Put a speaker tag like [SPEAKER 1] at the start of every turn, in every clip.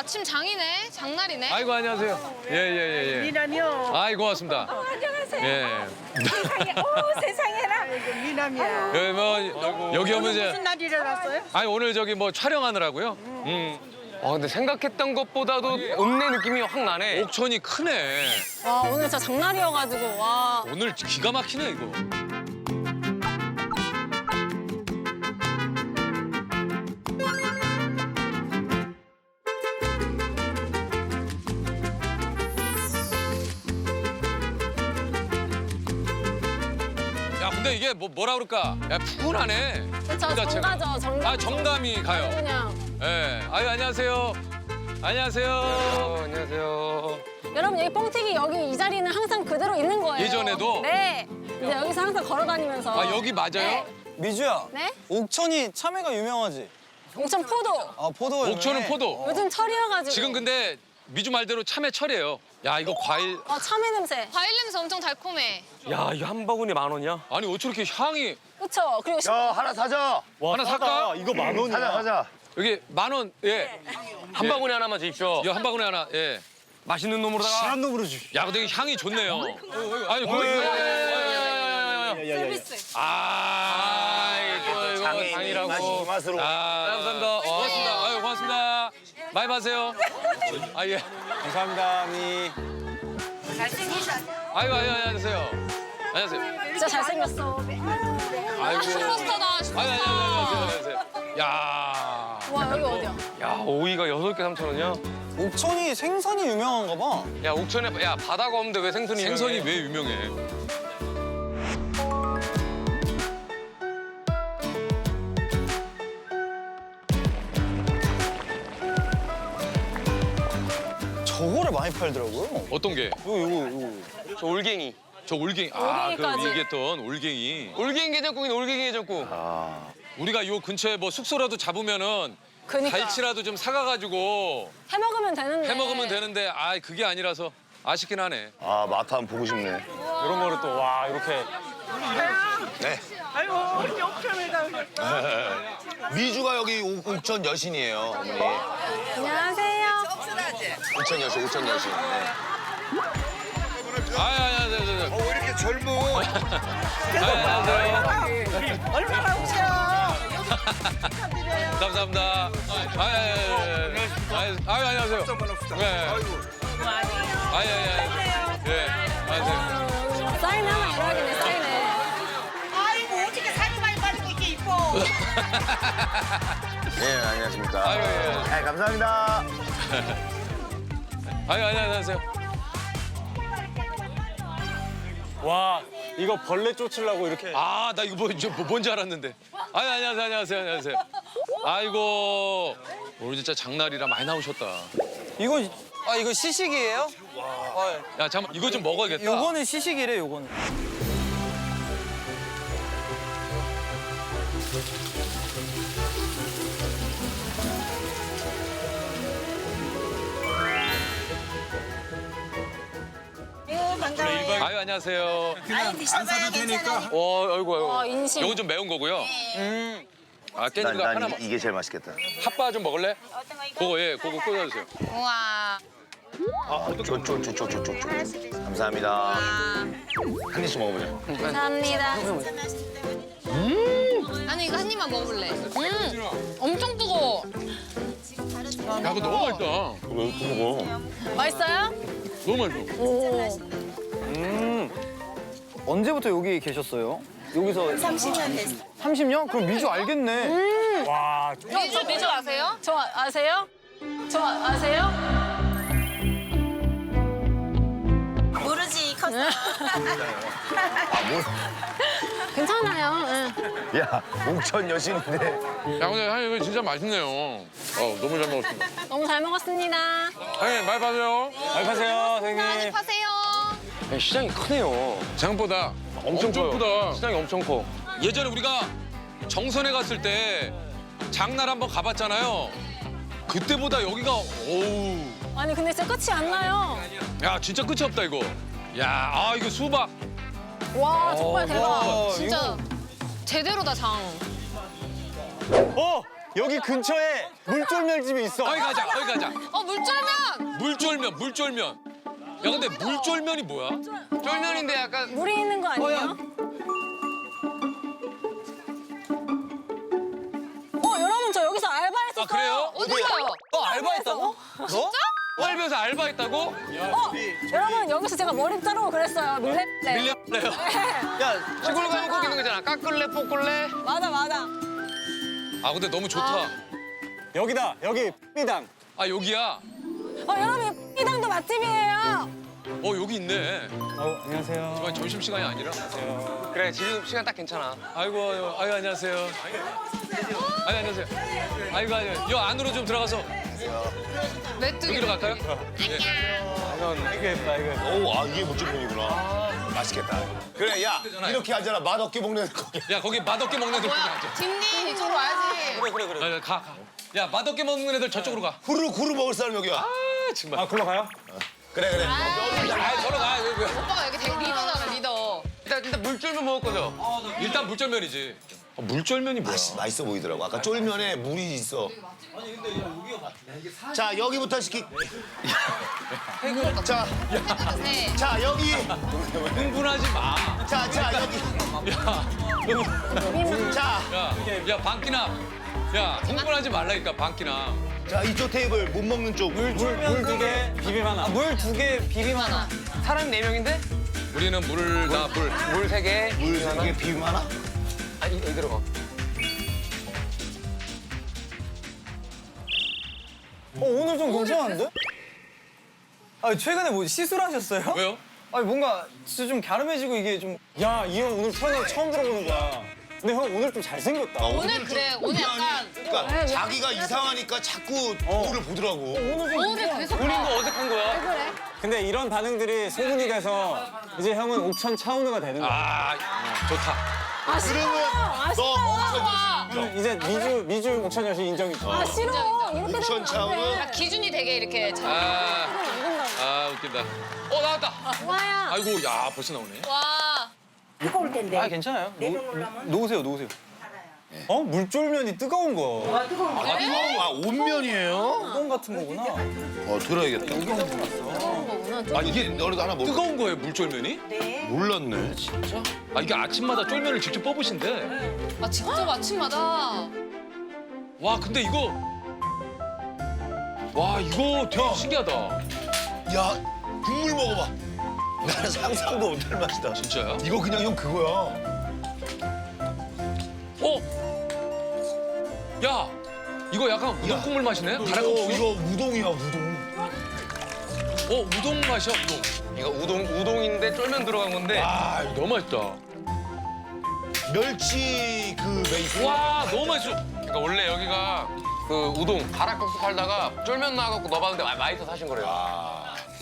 [SPEAKER 1] 아침 장이네. 장날이네.
[SPEAKER 2] 아이고 안녕하세요. 예.
[SPEAKER 3] 미남이요.
[SPEAKER 2] 아이 고맙습니다.
[SPEAKER 3] 안녕하세요.
[SPEAKER 2] 예.
[SPEAKER 3] 세상에, 오 세상에나. 미남이야.
[SPEAKER 2] 예, 뭐 여기 오면 이제
[SPEAKER 3] 무슨 날 일어났어요?
[SPEAKER 2] 아니 오늘 저기 뭐 촬영하느라고요.
[SPEAKER 4] 근데 생각했던 것보다도 읍내 느낌이 확 나네.
[SPEAKER 2] 옥천이 크네.
[SPEAKER 5] 와 오늘 진짜 장날이어가지고 와.
[SPEAKER 2] 오늘 기가 막히네 이거. 야 근데 이게 뭐라 그럴까? 야 푸근하네.
[SPEAKER 5] 그쵸
[SPEAKER 2] 그 자체가.
[SPEAKER 5] 정가죠 정가.
[SPEAKER 2] 아 정감이 가요.
[SPEAKER 5] 그냥
[SPEAKER 2] 예. 아유 안녕하세요. 안녕하세요.
[SPEAKER 4] 안녕하세요.
[SPEAKER 5] 여러분 여기 뻥튀기 여기 이 자리는 항상 그대로 있는 거예요.
[SPEAKER 2] 예전에도?
[SPEAKER 5] 네. 이제 여기서 항상 걸어다니면서.
[SPEAKER 2] 아 여기 맞아요?
[SPEAKER 5] 네.
[SPEAKER 6] 미주야.
[SPEAKER 5] 네?
[SPEAKER 6] 옥천이 참외가 유명하지?
[SPEAKER 5] 옥천 포도.
[SPEAKER 6] 아, 포도가
[SPEAKER 2] 옥천은
[SPEAKER 6] 유명해?
[SPEAKER 2] 포도.
[SPEAKER 5] 요즘 철이어가지고.
[SPEAKER 2] 지금 근데 미주 말대로 참외철이에요. 야 이거 과일.
[SPEAKER 5] 참외 냄새.
[SPEAKER 1] 과일 냄새 엄청 달콤해.
[SPEAKER 4] 야, 이거 한 바구니 10,000원이야?
[SPEAKER 2] 아니 어떻게 이렇게 향이
[SPEAKER 5] 그쵸. 그리고
[SPEAKER 7] 야 하나 사자.
[SPEAKER 2] 하나 살까?
[SPEAKER 7] 이거 10,000원이야. 사자.
[SPEAKER 2] 여기 10,000원. 예.
[SPEAKER 4] 한 바구니 하나만 주십시오.
[SPEAKER 2] 이거 한 바구니 하나. 예.
[SPEAKER 4] 맛있는 놈으로다가.
[SPEAKER 6] 사람 놈으로 주.
[SPEAKER 2] 야 근데 향이 좋네요. 아니 그거
[SPEAKER 5] 서비스.
[SPEAKER 2] 아 이거
[SPEAKER 7] 장애인의
[SPEAKER 2] 장이라고.
[SPEAKER 7] 맛이 이 맛으로.
[SPEAKER 2] 아 감사합니다. 고맙습니다. 아유 고맙습니다. 많이 마세요. 아 예.
[SPEAKER 6] 감사합니다, 미.
[SPEAKER 2] 아이고 안녕하세요. 안녕하세요.
[SPEAKER 5] 진짜 잘생겼어.
[SPEAKER 2] 아이고.
[SPEAKER 1] 슈퍼스타다. 슈퍼스타.
[SPEAKER 2] 안녕하세요. 야.
[SPEAKER 5] 와 여기 어디야?
[SPEAKER 4] 야, 오이가 6개 3,000원이야?
[SPEAKER 6] 옥천이 생선이 유명한가 봐.
[SPEAKER 4] 야, 옥천에 야, 바다가 없는데 왜 생선이
[SPEAKER 2] 생선이
[SPEAKER 4] 유명해?
[SPEAKER 2] 왜 유명해?
[SPEAKER 6] 저거를 많이 팔더라고요.
[SPEAKER 2] 어떤 게?
[SPEAKER 6] 요거.
[SPEAKER 4] 저 올갱이.
[SPEAKER 2] 저 올갱이. 아, 그
[SPEAKER 5] 올갱이까지.
[SPEAKER 2] 얘기했던 올갱이.
[SPEAKER 4] 올갱이 게장국이네, 올갱이 게장국.
[SPEAKER 2] 우리가 요 근처에 뭐 숙소라도 잡으면은
[SPEAKER 5] 그니까.
[SPEAKER 2] 갈치라도 좀 사가가지고
[SPEAKER 5] 해 먹으면 되는데.
[SPEAKER 2] 해 먹으면 되는데 아 그게 아니라서 아쉽긴 하네.
[SPEAKER 7] 아 마트 한번 보고 싶네.
[SPEAKER 6] 이런 거를 또, 와, 이렇게.
[SPEAKER 7] 네.
[SPEAKER 3] 아이고 우리 옥천에다.
[SPEAKER 7] 미주가 여기 옥천 여신이에요. 어머니.
[SPEAKER 5] 안녕하세요.
[SPEAKER 7] 옥천 여신, 옥천 여신. 네.
[SPEAKER 2] 안녕하세요.
[SPEAKER 7] 왜 이렇게 젊어?
[SPEAKER 2] 안녕하세요.
[SPEAKER 3] 얼마나 오세요?
[SPEAKER 2] 감사합니다. 안녕하세요. 네. 예. 안녕하세요.
[SPEAKER 5] 사인 하나 이러겠네 사인에.
[SPEAKER 3] 아이고 어떻게 살이 많이 빠지고 이렇게 이뻐.
[SPEAKER 7] 네, 안녕하십니까.
[SPEAKER 2] 아유, 예.
[SPEAKER 7] 네, 감사합니다.
[SPEAKER 2] 안녕하세요.
[SPEAKER 6] 와, 이거 벌레 쫓으려고 이렇게.
[SPEAKER 2] 아, 나 이거 뭔지 알았는데. 안녕하세요. 아이고, 오늘 진짜 장날이라 많이 나오셨다.
[SPEAKER 6] 이거 시식이에요?
[SPEAKER 2] 야, 잠깐 이거 좀 먹어야겠다.
[SPEAKER 6] 요거는 시식이래, 요거는.
[SPEAKER 2] 아유, 안녕하세요.
[SPEAKER 3] 아니 드셔봐야 되니까.
[SPEAKER 2] 아이고.
[SPEAKER 5] 와 인심.
[SPEAKER 2] 이건 좀 매운 거고요. 아, 깻잎가
[SPEAKER 7] 난
[SPEAKER 2] 하나만.
[SPEAKER 7] 이게 제일 맛있겠다.
[SPEAKER 2] 핫바 좀 먹을래? 그거 예, 그거 꽂아주세요.
[SPEAKER 1] 우와.
[SPEAKER 7] 쪼쪼쪼쪼쪼쪼. 감사합니다. 한 입씩 먹어보자.
[SPEAKER 5] 감사합니다.
[SPEAKER 1] 아니 이거 한 입만 먹어볼래. 엄청 뜨거워.
[SPEAKER 2] 야, 그거 너무 맛있다.
[SPEAKER 7] 왜 이렇게 먹어?
[SPEAKER 5] 맛있어요?
[SPEAKER 2] 너무 맛있어.
[SPEAKER 5] 오.
[SPEAKER 6] 언제부터 여기 계셨어요? 여기서 30년 됐어. 30년? 그럼 미주 알겠네. 와,
[SPEAKER 1] 저 미주 아세요?
[SPEAKER 5] 저 아세요? 저 아세요?
[SPEAKER 3] 모르지 컸어.
[SPEAKER 5] 괜찮아요. 응.
[SPEAKER 7] 야, 옥천 여신인데.
[SPEAKER 2] 야, 근데 형님 이거 진짜 맛있네요. 너무 잘 먹었습니다.
[SPEAKER 5] 너무 잘 먹었습니다.
[SPEAKER 2] 형님, 많이 파세요.
[SPEAKER 6] 잘 파세요,
[SPEAKER 1] 많이
[SPEAKER 6] 선생님.
[SPEAKER 1] 파세요.
[SPEAKER 4] 야, 시장이 크네요.
[SPEAKER 2] 생각보다 엄청
[SPEAKER 4] 커요.
[SPEAKER 2] 크다.
[SPEAKER 4] 시장이 엄청 커.
[SPEAKER 2] 예전에 우리가 정선에 갔을 때 장날 한번 가봤잖아요. 그때보다 여기가 어우.
[SPEAKER 5] 아니 근데 진짜 끝이 안 나요.
[SPEAKER 2] 야 진짜 끝이 없다 이거. 야 이거 수박.
[SPEAKER 5] 와 정말 대박.
[SPEAKER 1] 진짜 제대로다 장.
[SPEAKER 6] 여기 근처에 물쫄면집이 있어.
[SPEAKER 2] 거기 가자, 거기 가자.
[SPEAKER 1] 물쫄면.
[SPEAKER 2] 물쫄면. 야, 근데 물쫄면이 뭐야?
[SPEAKER 4] 쫄면인데 약간
[SPEAKER 5] 물이 있는 거 아니에요? 여러분 저 여기서 알바했었어요.
[SPEAKER 2] 아, 그래요?
[SPEAKER 1] 어디서요?
[SPEAKER 6] 너 알바했다고? 너?
[SPEAKER 2] 헐면서 알바했다고?
[SPEAKER 5] 여러분 여기서 제가 머리 자르고 그랬어요. 밀레.
[SPEAKER 2] 밀렸네요.
[SPEAKER 6] 야,
[SPEAKER 4] 시골 가면 꼭 있는 거잖아. 깎을래, 볶을래?
[SPEAKER 5] 맞아.
[SPEAKER 2] 아, 근데 너무 좋다.
[SPEAKER 6] 여기다. 여기 삐당.
[SPEAKER 2] 아, 여기야?
[SPEAKER 5] 여러분 이당도 맛집이에요.
[SPEAKER 2] 여기 있네.
[SPEAKER 6] 안녕하세요.
[SPEAKER 2] 이번 점심시간이 아니라.
[SPEAKER 4] 그래, 지금 시간 딱 괜찮아.
[SPEAKER 2] 아이고, 안녕하세요. 안녕하세요. 아이고, 여 안으로 좀 들어가서.
[SPEAKER 1] 메뚜기.
[SPEAKER 2] 여기로 갈까요? 예.
[SPEAKER 6] 이거 예쁘다, 이거 예쁘다.
[SPEAKER 7] 오, 아 이게 무조건이구나. 맛있겠다. 그래, 야 이렇게 하잖아. 맛없게 먹는 거기.
[SPEAKER 2] 야, 거기 맛없게 먹는 애들 거기
[SPEAKER 1] 뭐야?
[SPEAKER 2] 앉아.
[SPEAKER 1] 딘딘 이쪽으로 와야지.
[SPEAKER 6] 그래.
[SPEAKER 2] 가. 야, 맛없게 먹는 애들 저쪽으로 가.
[SPEAKER 7] 후루 먹을 사람 여기야.
[SPEAKER 2] 아, 정말.
[SPEAKER 6] 아, 글로 가요?
[SPEAKER 7] 그래.
[SPEAKER 2] 아, 저러 가.
[SPEAKER 1] 오빠가 여기 되게 리더잖아 리더.
[SPEAKER 4] 일단 물쫄면 먹을 거죠?
[SPEAKER 2] 일단 물쫄면이지. 물쫄면이 뭐야?
[SPEAKER 7] 맛있어 보이더라고. 아까 쫄면에 물이 있어. 자 여기부터 시키. 자 여기.
[SPEAKER 2] 흥분하지 마.
[SPEAKER 7] 자 여기.
[SPEAKER 2] 야, 방기나. 야, 흥분하지 말라니까, 방기나.
[SPEAKER 7] 자 이쪽 테이블 못 먹는 쪽.
[SPEAKER 6] 물 2개, 비빔 하나. 물 2개, 비빔 하나.
[SPEAKER 4] 사람 4명인데?
[SPEAKER 2] 우리는 물을 다 물.
[SPEAKER 4] 물 3개.
[SPEAKER 7] 물 3개 비빔 하나?
[SPEAKER 4] 아니, 여기 들어가.
[SPEAKER 6] 오늘 좀 괜찮은데? 최근에 뭐 시술하셨어요?
[SPEAKER 2] 왜요?
[SPEAKER 6] 뭔가 진짜 좀 갸름해지고 이게 좀. 야, 이 형 오늘 태어나서 처음 들어보는 거야. 근데 형 오늘 좀 잘생겼다.
[SPEAKER 1] 오늘 그래 오늘 약간
[SPEAKER 7] 그러니까 자기가 이상하니까 자꾸 거울을 보더라고.
[SPEAKER 1] 오늘 계속
[SPEAKER 4] 본인도 어색한 거야?
[SPEAKER 1] 그래?
[SPEAKER 6] 근데 이런 반응들이 소문이 돼서 이제 형은 옥천 차은우가 되는 거야.
[SPEAKER 2] 아, 좋다.
[SPEAKER 7] 그러면 너
[SPEAKER 6] 이제 미주 옥천 여신 인정이죠.
[SPEAKER 5] 싫어. 이렇게
[SPEAKER 7] 옥천 차은우.
[SPEAKER 1] 아, 기준이 되게 이렇게 잘.
[SPEAKER 2] 웃긴다. 나왔다.
[SPEAKER 5] 와야.
[SPEAKER 2] 아이고, 야, 벌써 나오네.
[SPEAKER 1] 와.
[SPEAKER 3] 뜨거울 텐데.
[SPEAKER 6] 괜찮아요.
[SPEAKER 3] 내려놓으려면
[SPEAKER 6] 놓으세요. 물쫄면이 뜨거운 거.
[SPEAKER 7] 아 온면이에요?
[SPEAKER 6] 뜨거운 같은 거구나.
[SPEAKER 7] 들어야겠다. 이게 너네도 하나 먹어.
[SPEAKER 2] 뜨거운 거예요, 물쫄면이?
[SPEAKER 7] 몰랐네.
[SPEAKER 2] 아, 이게 아침마다 쫄면을 직접 뽑으신대.
[SPEAKER 1] 아 직접 아침마다.
[SPEAKER 2] 와, 근데 이거. 와, 이거 되게 신기하다.
[SPEAKER 7] 야 국물 먹어봐. 나는 상상도 못할 맛이다.
[SPEAKER 2] 진짜야?
[SPEAKER 7] 이거 그냥 형 그거야.
[SPEAKER 2] 야, 이거 약간 우동 국물 맛이네? 가라국수?
[SPEAKER 7] 이거 우동이야 우동.
[SPEAKER 2] 우동 맛이야, 우동.
[SPEAKER 4] 이거 우동인데 쫄면 들어간 건데.
[SPEAKER 2] 아, 이거 너무 맛있다.
[SPEAKER 7] 멸치 그 베이스.
[SPEAKER 2] 와, 너무 맛있어.
[SPEAKER 4] 그러니까 원래 여기가 그 우동 가락국수 팔다가 쫄면 나와갖고 넣어봤는데 맛있어서 하신 거래요.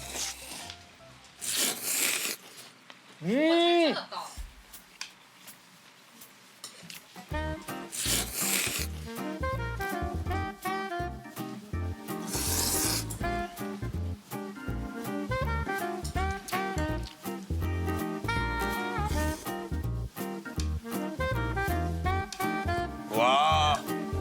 [SPEAKER 7] 와.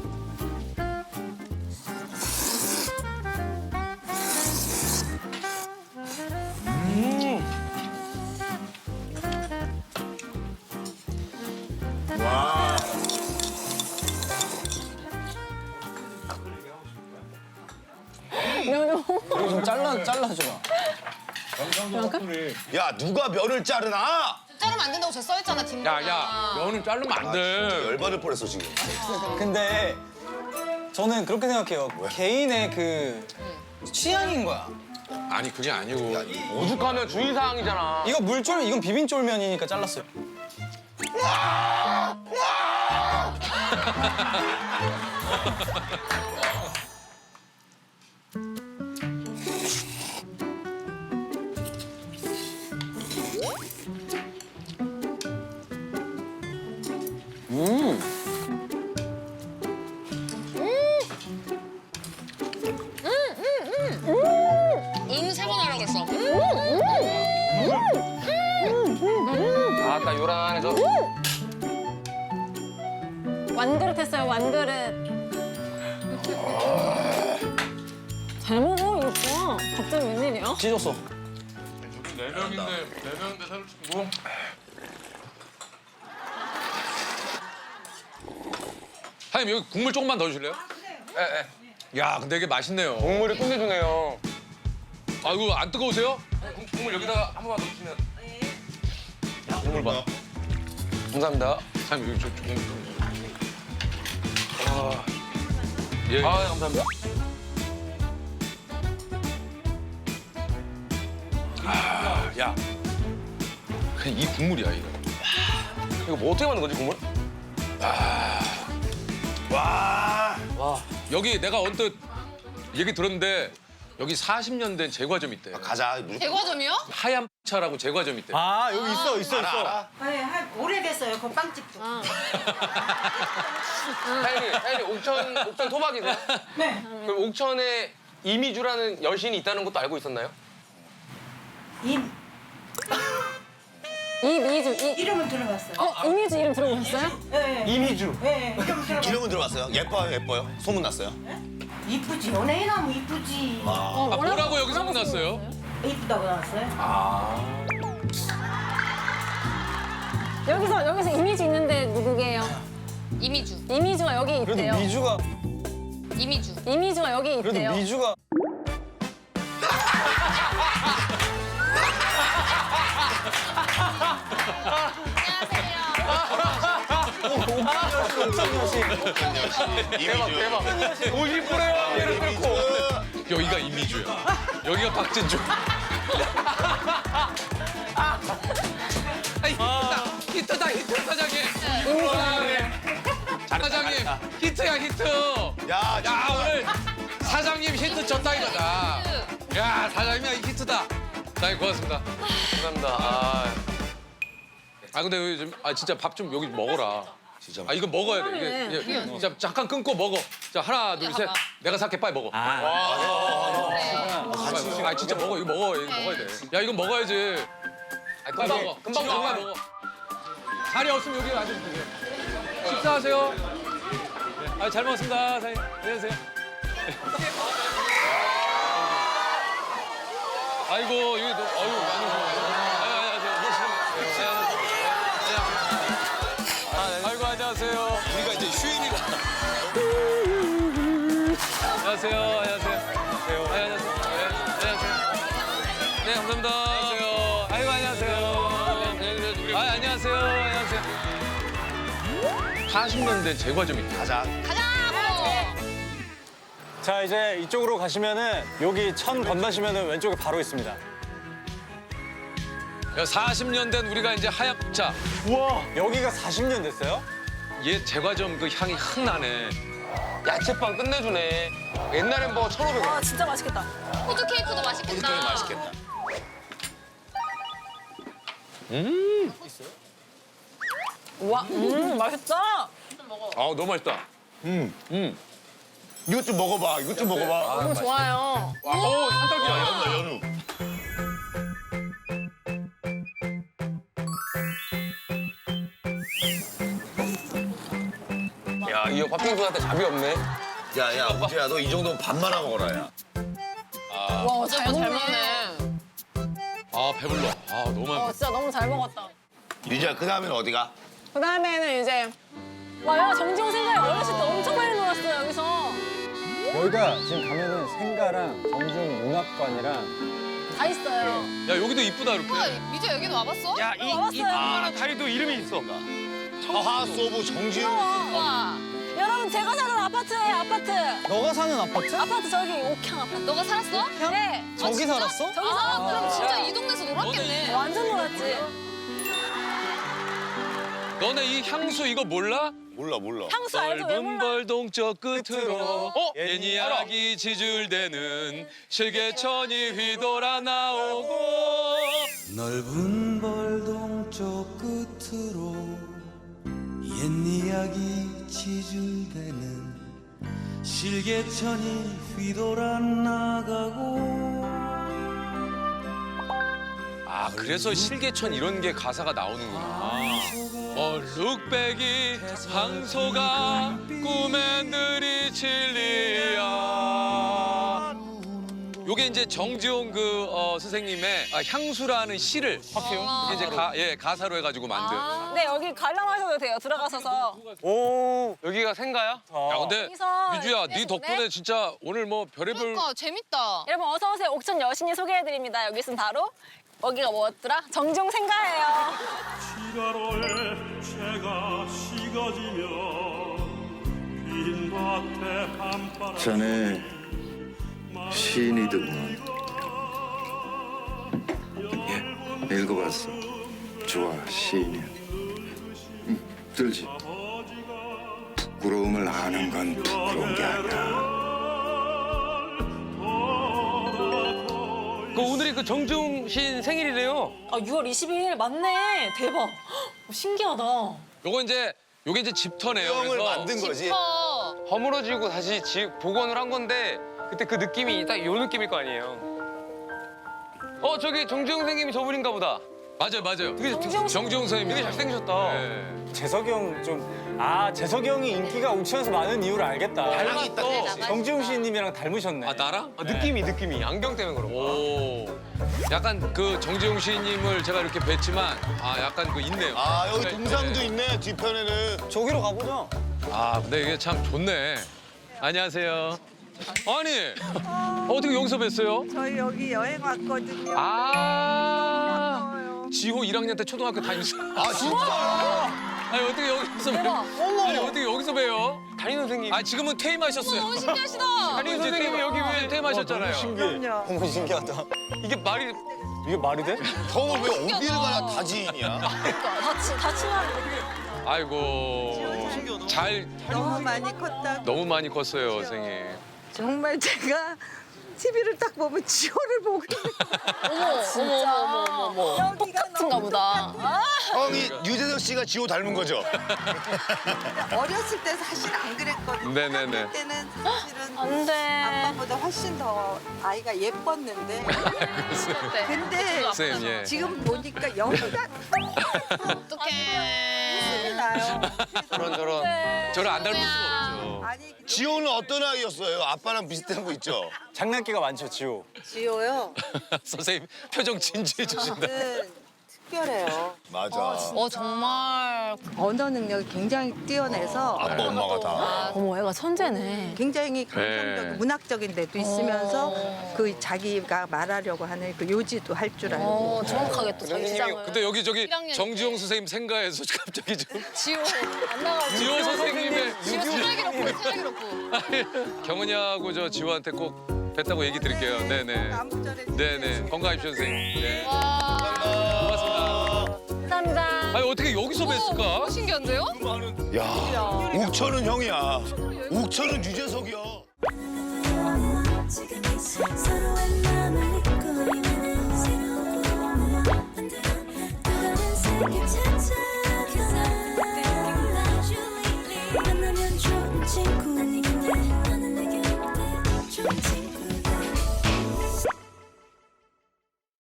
[SPEAKER 7] 와.
[SPEAKER 6] 이거 좀 잘라주라.
[SPEAKER 7] 야 누가 면을 자르나?
[SPEAKER 1] 자르면 안 된다고 저 써있잖아 뒷면에.
[SPEAKER 2] 야, 면은 자르면 안 돼.
[SPEAKER 7] 열받을 뻔했어 지금.
[SPEAKER 6] 근데 저는 그렇게 생각해요. 개인의 그 취향인 거야.
[SPEAKER 2] 아니, 그게 아니고.
[SPEAKER 4] 오죽하면 주의사항이잖아.
[SPEAKER 6] 이거 물쫄면, 이건 비빔쫄면이니까 잘랐어요.
[SPEAKER 1] 세 번 하라고 했어.
[SPEAKER 4] 아까 요란해져.
[SPEAKER 5] 완그릇 했어요. 완그릇. 잘 먹어, 이거. 갑자기 웬일이야?
[SPEAKER 6] 찢었어.
[SPEAKER 4] 네 명인데 사실 뭐.
[SPEAKER 2] 사장님 여기 국물 조금만 더 주실래요?
[SPEAKER 4] 예.
[SPEAKER 2] 야 근데 이게 맛있네요.
[SPEAKER 4] 국물이 끝내주네요.
[SPEAKER 2] 아 이거 안 뜨거우세요?
[SPEAKER 4] 국물 여기다가 한 번만 더 주시면. 국물 봐. 감사합니다.
[SPEAKER 2] 사장님 여기 조금. 아, 예.
[SPEAKER 4] 아 감사합니다.
[SPEAKER 2] 야, 그냥 이 국물이야 이거.
[SPEAKER 4] 이거 뭐 어떻게 만든 거지 국물?
[SPEAKER 2] 여기 내가 언뜻 얘기 들었는데 여기 40년 된 제과점 있대.
[SPEAKER 7] 가자.
[SPEAKER 1] 대과점이요?
[SPEAKER 2] 하얀 차라고 제과점 있대.
[SPEAKER 6] 아, 여기 있어.
[SPEAKER 7] 알아.
[SPEAKER 3] 네, 오래됐어요. 그 빵집도.
[SPEAKER 4] 사장님 옥천 토박이세요?
[SPEAKER 3] 네.
[SPEAKER 4] 그럼 옥천에 이미주라는 여신이 있다는 것도 알고 있었나요?
[SPEAKER 5] 이미주,
[SPEAKER 3] 이름은 들어봤어요.
[SPEAKER 5] 이미주 이름 들어보셨어요?
[SPEAKER 3] 네.
[SPEAKER 4] 이미주.
[SPEAKER 3] 네, 이름 들어봤어요.
[SPEAKER 7] 이름은 들어봤어요? 예뻐요? 소문 났어요?
[SPEAKER 3] 이쁘지. 연예인 하면 이쁘지.
[SPEAKER 2] 아, 뭐라고 여기 소문났어요?
[SPEAKER 3] 이쁘다고 나왔어요?
[SPEAKER 5] 여기서 이미주 있는데 누구게요?
[SPEAKER 1] 이미주.
[SPEAKER 5] 이미주가 여기 있대요.
[SPEAKER 6] 미주가,
[SPEAKER 1] 이미주가 여기 있대요.
[SPEAKER 6] 미주가.
[SPEAKER 4] 대박. 50%의 확률을 뚫고.
[SPEAKER 2] 여기가 이미주야. 여기가 박진주. 히트다 히트 사장님. 사장님 히트야 히트.
[SPEAKER 7] 야,
[SPEAKER 2] 야 오늘 사장님 히트 쳤다 이거다. 야 사장님이 히트다. 사장님 고맙습니다.
[SPEAKER 4] 감사합니다.
[SPEAKER 2] 아 근데 여기 좀, 진짜 밥 좀 여기 먹어라. 진짜. 이거 먹어야 돼. 이게 진짜 잠깐 끊고 먹어. 자 하나 둘 셋. 내가 살게 빨리 먹어. 진짜 먹어 이거 먹어 이거 먹어야 돼. 야 이거 먹어야지. 빨리 먹어.
[SPEAKER 4] 금방
[SPEAKER 2] 지금
[SPEAKER 4] 나와.
[SPEAKER 2] 먹어. 자리 없으면 여기 앉으세요. 식사하세요. 네. 잘 먹었습니다 사장님. 안녕하세요. 아이고 여기 아이고 안녕하세요.
[SPEAKER 7] 우리가 이제 휴일이라.
[SPEAKER 2] 안녕하세요. 안녕하세요. 안녕하세요. 네 감사합니다. 안녕하세요. 아이고 안녕하세요. 안녕하세요. 안녕하세요. 40년 된 제과점 있대.
[SPEAKER 7] 가자.
[SPEAKER 6] 자, 이제 이쪽으로 가시면은 여기 천 건너시면은 왼쪽에 바로 있습니다.
[SPEAKER 2] 야 40년 된 우리가 이제 하얀차.
[SPEAKER 6] 우와, 여기가 40년 됐어요?
[SPEAKER 2] 얘 제과점 그 향이 확 나네.
[SPEAKER 4] 야채빵 끝내주네. 옛날엔 뭐 1,500원.
[SPEAKER 5] 와, 진짜 맛있겠다.
[SPEAKER 1] 호두 케이크도 맛있겠다.
[SPEAKER 7] 호두까지 맛있겠다.
[SPEAKER 5] 와, 맛있다.
[SPEAKER 2] 아 너무 맛있다.
[SPEAKER 7] 이것 좀 먹어봐.
[SPEAKER 5] 너무 좋아요.
[SPEAKER 2] 오 산딸기야.
[SPEAKER 7] 연우.
[SPEAKER 4] 야, 이 형 팥빙수한테 잡이 없네.
[SPEAKER 7] 야, 우지야, 너 이 정도면 밥만 하고 먹어라, 야.
[SPEAKER 5] 와, 잘 먹네.
[SPEAKER 2] 아 배불러. 아 너무 많이.
[SPEAKER 5] 진짜 너무 잘 먹었다.
[SPEAKER 7] 유지야, 그 다음에는 어디가?
[SPEAKER 5] 그 다음에는 이제 와요, 정지호 생가에 어렸을 때 엄청 많이 놀았어요, 여기서.
[SPEAKER 6] 여기가 지금 가면은 생가랑 정중 문학관이랑
[SPEAKER 5] 다 있어요.
[SPEAKER 2] 야 여기도 이쁘다 이렇게.
[SPEAKER 1] 미주 여기도 와봤어?
[SPEAKER 4] 야,
[SPEAKER 5] 와봤어요.
[SPEAKER 4] 다리도 이름이 있어.
[SPEAKER 7] 하하소부 정지훈.
[SPEAKER 1] 와.
[SPEAKER 5] 여러분, 제가 사는 아파트예요, 아파트.
[SPEAKER 6] 너가 사는 아파트?
[SPEAKER 5] 아파트 저기 옥향 아파트.
[SPEAKER 1] 너가 살았어?
[SPEAKER 5] 네.
[SPEAKER 6] 저기 살았어?
[SPEAKER 5] 저기 살았어.
[SPEAKER 1] 그럼 진짜 이 동네에서 놀았겠네.
[SPEAKER 5] 완전 놀았지.
[SPEAKER 2] 너네 이 향수 이거 몰라?
[SPEAKER 7] 몰라.
[SPEAKER 5] 향수 알죠? 왜
[SPEAKER 2] 넓은
[SPEAKER 5] 몰라?
[SPEAKER 2] 벌동 저 끝으로 옛 이야기 지줄대는 실개천이 휘돌아 나오고
[SPEAKER 8] 넓은 벌동 저 끝으로 옛 이야기 지줄대는 실개천이 휘돌아 나가고.
[SPEAKER 2] 아 그래서 실개천 이런 게 가사가 나오는구나. 얼룩배기 항소가 꿈에 들이 진리야. 요게 이제 정지용 선생님의 향수라는 시를 이게 이제 가사로 해가지고 만든.
[SPEAKER 5] 네, 여기 관람하셔도 돼요. 들어가셔서.
[SPEAKER 6] 오.
[SPEAKER 4] 여기가 생가야?
[SPEAKER 2] 야 근데
[SPEAKER 5] 여기서
[SPEAKER 2] 미주야
[SPEAKER 5] 네
[SPEAKER 2] 네 덕분에 진짜 오늘 뭐 별의별
[SPEAKER 1] 그러니까 재밌다.
[SPEAKER 5] 여러분 어서 오세요. 옥천 여신이 소개해드립니다. 여기 있으면 바로 여기가 뭐였더라? 정지용 생가예요.
[SPEAKER 8] 시가로에 채가 식어지며 빈 밭에 밤바람
[SPEAKER 9] 자네 시인이더구만. 예, 읽어봤어. 좋아, 시인이야. 들지. 부끄러움을 아는 건 부끄러운 게 아니야.
[SPEAKER 4] 오늘이 그 정중 시인 생일이래요.
[SPEAKER 5] 아 6월 22일 맞네. 대박. 신기하다.
[SPEAKER 2] 요게 이제 집터네요.
[SPEAKER 7] 형을
[SPEAKER 2] 그래서
[SPEAKER 7] 만든 거지.
[SPEAKER 4] 허물어지고 다시 복원을 한 건데 그때 그 느낌이 딱 요 느낌일 거 아니에요. 저기 정중 선생님이 저분인가 보다.
[SPEAKER 2] 맞아요.
[SPEAKER 4] 되게
[SPEAKER 2] 정지용 선생님
[SPEAKER 4] 되게 잘생기셨다.
[SPEAKER 6] 재석이 형 재석이 형이 인기가 옥천에서 많은 이유를 알겠다.
[SPEAKER 4] 닮았어.
[SPEAKER 6] 정지용 시인님이랑 닮으셨네.
[SPEAKER 2] 아 나랑?
[SPEAKER 4] 느낌이 안경 때문에 그런 거.
[SPEAKER 2] 오. 약간 그 정지용 시인님을 제가 이렇게 뵀지만 약간 그 있네요.
[SPEAKER 7] 아 여기
[SPEAKER 2] 네,
[SPEAKER 7] 동상도
[SPEAKER 2] 네.
[SPEAKER 7] 있네 뒤편에는.
[SPEAKER 6] 저기로 가보죠.
[SPEAKER 2] 근데 이게 참 좋네. 안녕하세요. 아니 어떻게 여기서 뵀어요?
[SPEAKER 3] 저희 여기 여행 왔거든요.
[SPEAKER 2] 지호 1학년 때 초등학교 다니면서.
[SPEAKER 7] 아 진짜?
[SPEAKER 2] 아니 어떻게 여기서 봬요? 아니 어떻게 여기서 봬요?
[SPEAKER 4] 담임 선생님.
[SPEAKER 2] 지금은 퇴임하셨어요.
[SPEAKER 1] 너무 신기하시다.
[SPEAKER 2] 담임 선생님이 여기 왜 퇴임하셨잖아요.
[SPEAKER 3] 그럼요.
[SPEAKER 6] 너무 신기하다.
[SPEAKER 4] 이게 말이
[SPEAKER 6] 이게 말이 돼?
[SPEAKER 7] 형은 왜 어디를 가나 다 지인이야?
[SPEAKER 5] 다 친하게.
[SPEAKER 2] 아이고 잘
[SPEAKER 3] 너무 많이 컸다고.
[SPEAKER 2] 너무 많이 컸어요 선생님.
[SPEAKER 3] 정말 제가 TV를 딱 보면 지호를 보고 있는
[SPEAKER 1] 어머.
[SPEAKER 3] 여기가
[SPEAKER 5] 똑같은가
[SPEAKER 3] 너무
[SPEAKER 5] 보다.
[SPEAKER 7] 형이 유재석 씨가 지호 닮은 거죠?
[SPEAKER 3] 어렸을 때 사실 안 그랬거든요.
[SPEAKER 2] 네네네.
[SPEAKER 3] 그때는 사실은
[SPEAKER 5] 안 돼.
[SPEAKER 3] 아빠보다 훨씬 더 아이가 예뻤는데. 근데
[SPEAKER 2] 선생님 예.
[SPEAKER 3] 지금 보니까 여기가
[SPEAKER 1] 어떡해.
[SPEAKER 3] 나요.
[SPEAKER 4] 저런.
[SPEAKER 2] 저를 안 닮을 수가 없죠.
[SPEAKER 3] 아니
[SPEAKER 7] 지호는 어떤 아이였어요? 아빠랑 비슷한 거 있죠?
[SPEAKER 6] 장난기가 많죠, 지호.
[SPEAKER 3] 지호요.
[SPEAKER 2] 선생님 표정 진지해 주신다.
[SPEAKER 3] 특별해요.
[SPEAKER 7] 맞아.
[SPEAKER 1] 정말.
[SPEAKER 3] 언어 능력이 굉장히 뛰어내서
[SPEAKER 7] 아빠 엄마가 다.
[SPEAKER 5] 어머 애가 천재네.
[SPEAKER 3] 굉장히 감성적,
[SPEAKER 2] 네.
[SPEAKER 3] 문학적인 데도 있으면서 그 자기가 말하려고 하는 그 요지도 할 줄 알고.
[SPEAKER 5] 정확하게 또 자기 시장을.
[SPEAKER 2] 근데 여기 저기
[SPEAKER 1] 1학년
[SPEAKER 2] 정지용 선생님 생가에서 갑자기 좀
[SPEAKER 1] 지호.
[SPEAKER 5] 안 나가지고.
[SPEAKER 2] 지호 선생님의
[SPEAKER 1] 지호 쓰레기롭고.
[SPEAKER 2] 경은이하고 저 지호한테 꼭 뵀다고 얘기 드릴게요. 네네.
[SPEAKER 3] 나무절에
[SPEAKER 2] 네네. 건강하십시오 선생님. 네.
[SPEAKER 1] 와.
[SPEAKER 2] 고맙습니다.
[SPEAKER 5] 감사합니다.
[SPEAKER 2] 아니 어떻게 여기서 뵀을까?
[SPEAKER 1] 너무 신기한데요?
[SPEAKER 7] 야, 옥천은 형이야. 옥천은 유재석이야.